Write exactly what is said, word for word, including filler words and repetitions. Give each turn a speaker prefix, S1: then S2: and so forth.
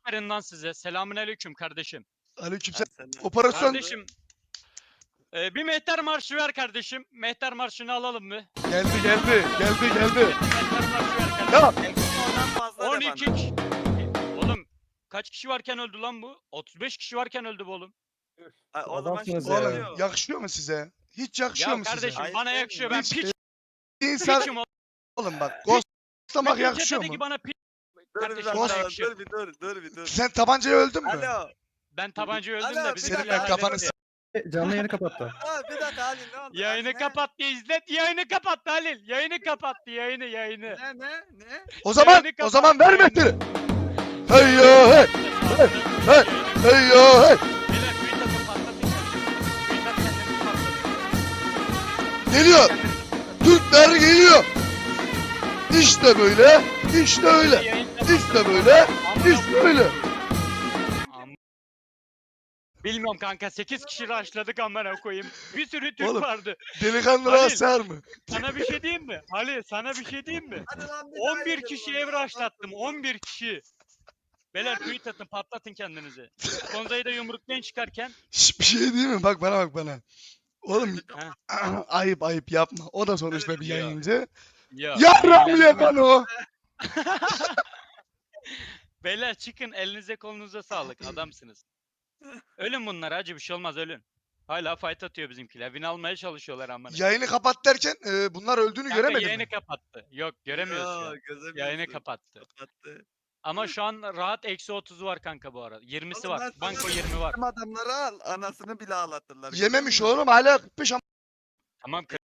S1: Aferin lan size. Selamünaleyküm kardeşim.
S2: Aleykümselam.
S3: Sen-
S2: Operasyon
S1: Kardeşim. E, bir mehter marşı ver kardeşim. Mehter marşını alalım mı?
S2: geldi geldi geldi geldi.
S1: Mehter marşı ver kardeşim.
S2: Ya
S3: Ondan fazla de
S1: on iki
S3: bana.
S1: kişi. Oğlum kaç kişi varken öldü lan bu? otuz beş kişi varken öldü bu oğlum.
S3: Ay, o zaman
S4: Adamsınız
S3: şimdi
S4: ya.
S2: oğlum
S3: oluyor.
S2: yakışıyor mu size? Hiç yakışıyor
S1: Ya
S2: mu
S1: kardeşim
S2: size?
S3: Hayır,
S1: bana
S3: sen
S1: yakışıyor. Ben
S2: hiç-
S1: piç.
S2: İnsan
S1: Piçim oğlum.
S2: oğlum bak ghostlamak
S1: Metin
S2: yakışıyor
S1: Çete'deki
S2: mu?
S1: bana piç.
S3: Dur bir
S1: Kardeşim
S3: dakika,
S1: bana yakışıyor.
S3: dur bir dur, dur bir dur.
S2: Sen tabancayı öldün mü?
S3: Alo.
S1: Ben tabancayı öldüm
S3: Alo,
S1: de
S3: bir
S1: bizim
S2: Senin
S3: dakika,
S2: ben kafanı
S1: halletti.
S2: s-
S4: Canlı yayını kapattı.
S3: Aa, bir dakika Halil ne oldu?
S1: Yayını
S3: Halil, ne?
S1: kapattı İzzet. Yayını kapattı Halil. Yayını kapattı. Yayını yayını.
S3: Ne ne ne?
S2: O zaman
S1: Yayını
S2: o zaman
S1: kapat,
S2: ver
S1: yayını.
S2: mehteri. Hey yo hey hey hey yo hey.
S1: Beyler tweet atın patlatın kendinizi. Tweet at kendinizi patlatın.
S2: Geliyor. Türkler geliyor. İşte böyle. İşte öyle.
S1: Yayın
S2: İşte böyle. İşte öyle.
S1: Am- Bilmiyorum kanka sekiz kişi rushladık amına koyayım. Bir sürü Türk
S2: Oğlum.
S1: vardı.
S2: Delikanlılar
S1: Halil.
S2: sığar mı?
S1: Sana bir şey diyeyim mi? Ali sana bir şey diyeyim mi?
S3: Hadi lan bir daha
S1: on bir
S3: yapalım
S1: kişiye
S3: ya.
S1: ev rushlattım. on bir kişi. Beyler tweet atın patlatın kendinizi. Konzayı da yumruklayın çıkarken.
S2: Şş, bir şey değil mi? Bak bana bak bana. Oğlum
S1: Ha.
S2: ayıp ayıp yapma. O da sonuçta bir
S1: Ya.
S2: yayıncı.
S1: Ya.
S2: Yarram yapan o.
S1: Beyler çıkın elinize kolunuza sağlık adamsınız. Ölün bunlar acı bir şey olmaz ölün. Hala fight atıyor bizimkiler. Win almaya çalışıyorlar amına.
S2: Yayını kapat derken e, bunlar öldüğünü
S1: Kanka
S2: göremedin
S1: yayını
S2: mi?
S1: kapattı. Yok göremiyoruz şu
S3: Yo,
S1: an.
S3: gözemiyorsun.
S1: Yayını kapattı.
S3: Kapattı.
S1: Ama şu an rahat eksi otuzu var kanka bu arada. yirmisi
S3: Oğlum
S1: var.
S3: ben
S1: Banko
S3: sana
S1: yirmi var.
S3: Bizim adamları al. Anasını bile ağlatırlar.
S2: Yememiş oğlum hala kırk beş am-
S1: Tamam